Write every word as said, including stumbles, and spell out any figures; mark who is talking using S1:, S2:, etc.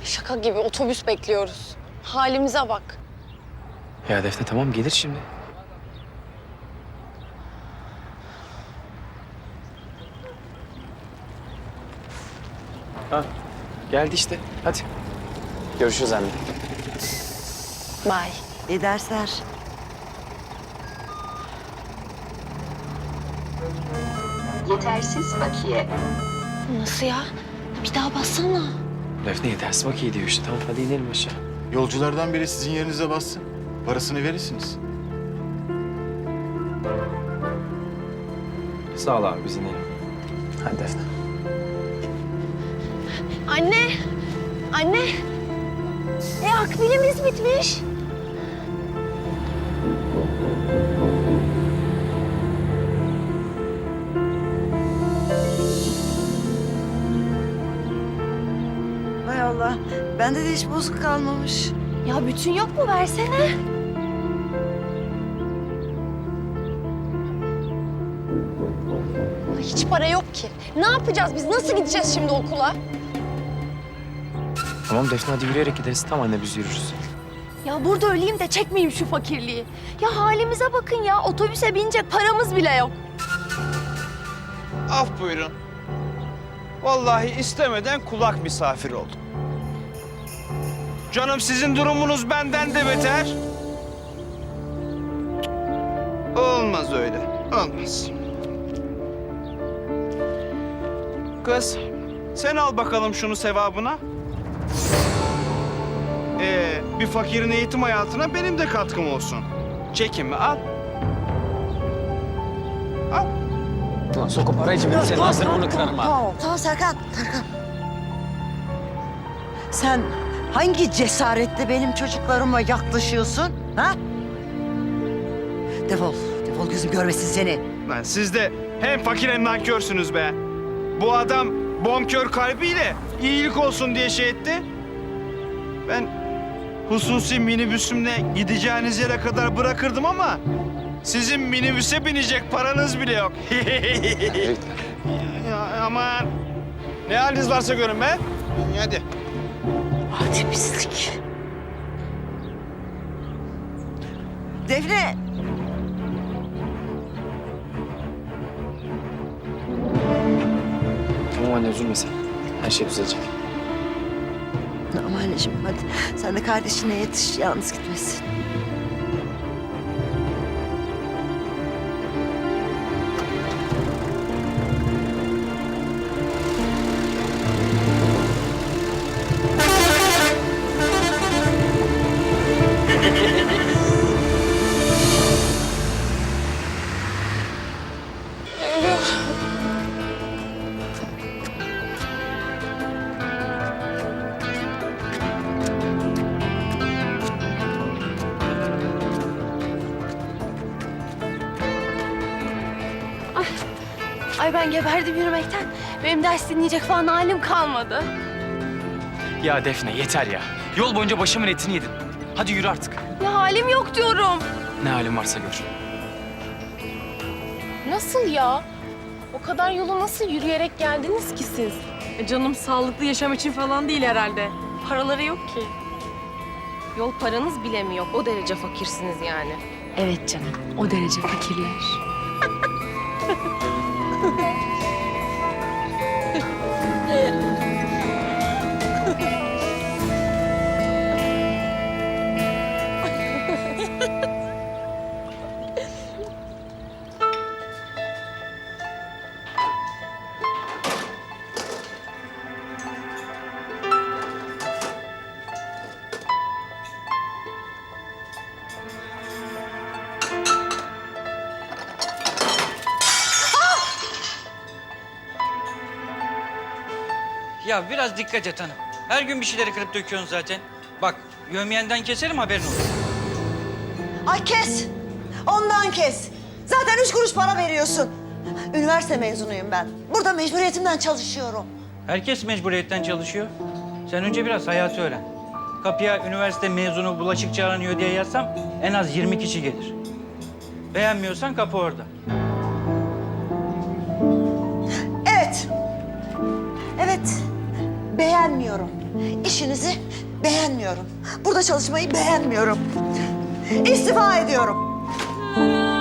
S1: Şaka gibi otobüs bekliyoruz. Halimize bak.
S2: Ya Defne tamam gelir şimdi. Ha, geldi işte. Hadi. Görüşürüz anne.
S1: Bye.
S3: İyi dersler.
S4: Yetersiz bakiye.
S1: Nasıl ya? Bir daha bassana.
S2: Defne ders bak iyi diyor işte. Tamam hadi inelim aşağı.
S5: Yolculardan biri sizin yerinize bassın. Parasını verirsiniz.
S2: Sağ ol abi biz inelim. Hadi Defne.
S1: Anne! Anne! E akbilimiz bitmiş.
S3: Hay Allah. Bende de hiç bozuk kalmamış.
S1: Ya bütün yok mu? Versene. Ay, hiç para yok ki. Ne yapacağız biz? Nasıl gideceğiz şimdi okula?
S2: Tamam Defne hadi yürüyerek gideriz. Tamam anne biz yürürüz.
S1: Ya burada öleyim de çekmeyeyim şu fakirliği. Ya halimize bakın ya. Otobüse binecek paramız bile yok.
S6: Af buyurun. Vallahi istemeden kulak misafir oldum. Canım sizin durumunuz benden de beter. Olmaz öyle. Olmaz. Kız, sen al bakalım şunu sevabına. Ee, bir fakirin eğitim hayatına benim de katkım olsun. Çekinme, al. Al.
S2: Ulan sokup para için benim senin ağzını burnunu kırarım ha.
S3: Tamam, tamam Serkan, Serkan. Sen hangi cesaretle benim çocuklarıma yaklaşıyorsun, ha? Defol, defol gözüm görmesin seni.
S6: Lan siz de hem fakir hem nankörsünüz be. Bu adam bonkör kalbiyle iyilik olsun diye şey etti. Ben hususi minibüsümle gideceğiniz yere kadar bırakırdım ama sizin minibüse binecek paranız bile yok. Ya, aman. Ne haliniz varsa görün be. Hadi.
S3: Hadi pislik. Defne.
S2: Tamam anne üzülme sen. Her şey düzelecek.
S3: Ama anneciğim hadi sen de kardeşine yetiş, yalnız gitmesin.
S1: Ay ben geberdim yürümekten. Benim ders dinleyecek falan halim kalmadı.
S2: Ya Defne yeter ya. Yol boyunca başımın etini yedin. Hadi yürü artık.
S1: Ya halim yok diyorum.
S2: Ne halin varsa gör.
S7: Nasıl ya? O kadar yolu nasıl yürüyerek geldiniz ki siz?
S8: E canım sağlıklı yaşam için falan değil herhalde.
S7: Paraları yok ki. Yol paranız bile mi yok? O derece fakirsiniz yani.
S8: Evet canım, o derece fakirler.
S9: Ya biraz dikkat et hanım. Her gün bir şeyleri kırıp döküyorsun zaten. Bak, yövmiyenden keserim haberin olsun.
S3: Ay kes, ondan kes. Zaten üç kuruş para veriyorsun. Üniversite mezunuyum ben. Burada mecburiyetimden çalışıyorum.
S9: Herkes mecburiyetten çalışıyor. Sen önce biraz hayatı öğren. Kapıya üniversite mezunu bulaşıkçı aranıyor diye yazsam en az yirmi kişi gelir. Beğenmiyorsan kapı orada.
S3: Evet. Evet. beğenmiyorum. İşinizi beğenmiyorum. Burada çalışmayı beğenmiyorum. İstifa ediyorum.